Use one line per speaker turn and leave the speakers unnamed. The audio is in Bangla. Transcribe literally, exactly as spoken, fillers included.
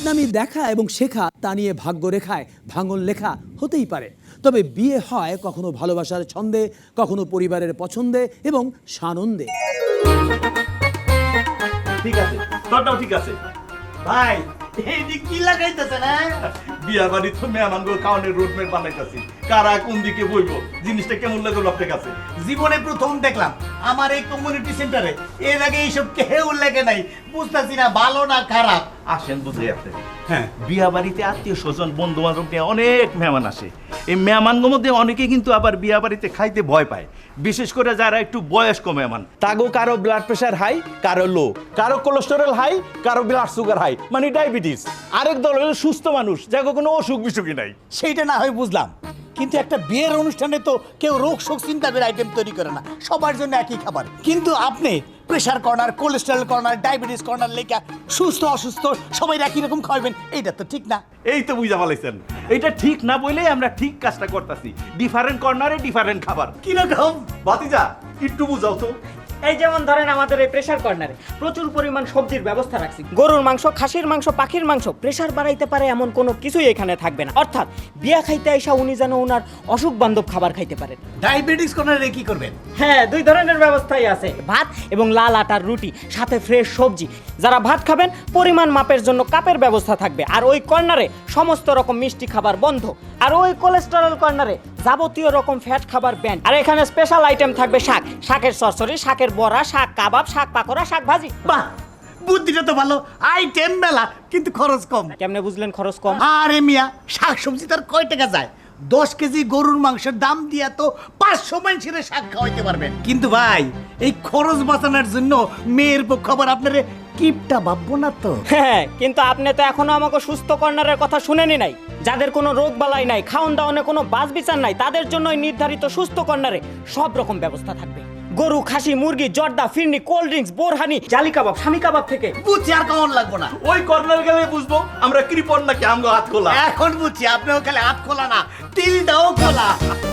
আগামী দেখা এবং শেখা তা নিয়ে ভাগ্যরেখায় ভাঙন লেখা হতেই পারে, তবে বিয়ে হয় কখনো ভালোবাসার ছন্দে, কখনো পরিবারের পছন্দে এবং সানন্দে।
ঠিক আছে, তোরটাও ঠিক আছে
ভাই। এই যে কি লাগাইতেছে না
বিয়া বাড়ি তো মেহমানগুলো খাওয়ানোর রোডম্যাপ বানাইতেছি, কারা কোন দিকে বইবো, জিনিসটা কেমন লাগলো আপনার কাছে?
জীবনে প্রথম দেখলাম আমার এই কমিউনিটি সেন্টারে, এর আগে এইসব কেউ লেগে নাই, বুঝতেছি না ভালো না খারাপ।
আসেন বুঝে আপনাকে।
হ্যাঁ,
বিয়া বাড়িতে আত্মীয় স্বজন বন্ধু বান্ধব নিয়ে অনেক মেহমান আসে। এই মেহমানগুলোর মধ্যে অনেকে কিন্তু আবার বিয়া বাড়িতে খাইতে ভয় পায়, বিশেষ করে যারা একটু বয়স্ক মেহমান। তাগো কারো ব্লাড প্রেশার হাই, কারো লো, কারো কোলেস্টেরল হাই, কারো ব্লাড সুগার হাই, মানে ডায়াবেটিস। আরেক দল হলো সুস্থ মানুষ, যাকে কোনো অসুখ বিসুখই নাই।
সেইটা না হয় বুঝলাম, কিন্তু একটা বিয়ের অনুষ্ঠানে তো কেউ রোগ শোক চিন্তা করে আইটেম তৈরি করে না, সবার জন্য একই খাবার। কিন্তু আপনি pressure corner, cholesterol corner, diabetes corner লেখা সুস্থ অসুস্থ সবাই একই রকম খাওয়াবেন, এইটা তো ঠিক না।
এই তো বুঝা পালাইছেন, এটা ঠিক না বলেই আমরা ঠিক কাজটা করতেছি। ডিফারেন্ট কর্নারে ডিফারেন্ট খাবার।
কিরকম?
ভাতিজা একটু বুঝাও তো।
এই যেমন ধরেন আমাদের এই প্রেসার কর্নারে প্রচুর পরিমাণ সবজির ব্যবস্থা রাখছি। গরুর মাংস, খাসির মাংস, পাখির মাংস, প্রেসার বাড়াইতে পারে এমন কোনো কিছুই এখানে থাকবে না। অর্থাৎ বিয়া খাইতে আইসা উনি যেন ওনার অসুখ বান্ধব খাবার খাইতে পারেন।
ডায়াবেটিস কর্নারে কি করবেন?
হ্যাঁ, দুই ধরনের ব্যবস্থাই আছে, ভাত এবং লাল আটার রুটি, সাথে ফ্রেশ সবজি। যারা ভাত খাবেন পরিমাণ মাপের জন্য কাপের ব্যবস্থা থাকবে। আর ওই কর্নারে সমস্ত রকম মিষ্টি খাবার বন্ধ। আর ওই কোলেস্টেরল কর্নারে যাবতীয় রকম ফ্যাট খাবার ব্যান। আর এখানে স্পেশাল আইটেম থাকবে শাক, শাকের চচ্চড়ি, শাকের বড়া, শাক কাবাব, শাক পাকোড়া, শাক ভাজি।
বাহ, বুদ্ধিটা তো ভালো, আইটেম মেলা কিন্তু খরচ কম।
কেমনে বুঝলেন খরচ কম?
আরে মিয়া, শাক সবজি তার কয় টাকা যায়? দশ কেজি গরুর মাংসের দাম দিয়া তো পাঁচশো মানুষের শাক খাওয়াইতে পারবেন। কিন্তু ভাই, এই খরচ বাঁচানোর জন্য মেয়ের পক্ষ আবার আপনার কিপটা ভাববো না তো।
হ্যাঁ, কিন্তু আপনি তো এখনো আমাকে সুস্থ কর্নারের কথা শুনেনি নাই। যাদের কোনো রোগ বালাই নাই, খাওন দাওয়ানে কোনো বাজ বিচার নাই, তাদের জন্য নির্ধারিত সুস্থ কর্নারে সব রকম ব্যবস্থা থাকবে। গরু, খাসি, মুরগি, জর্দা, ফিরনি, কোল্ড ড্রিঙ্কস, বোরহানি, জালি কাবাব, স্বামী কাবাব থেকে।
বুঝছি, আর কেমন লাগবো না।
ওই কর্নার গেলে বুঝবো আমরা কৃপণ নাকি আমগো হাত খোলা।
এখন বুঝছি, আপনিও খালি হাত খোলা না, তিলটাও খোলা।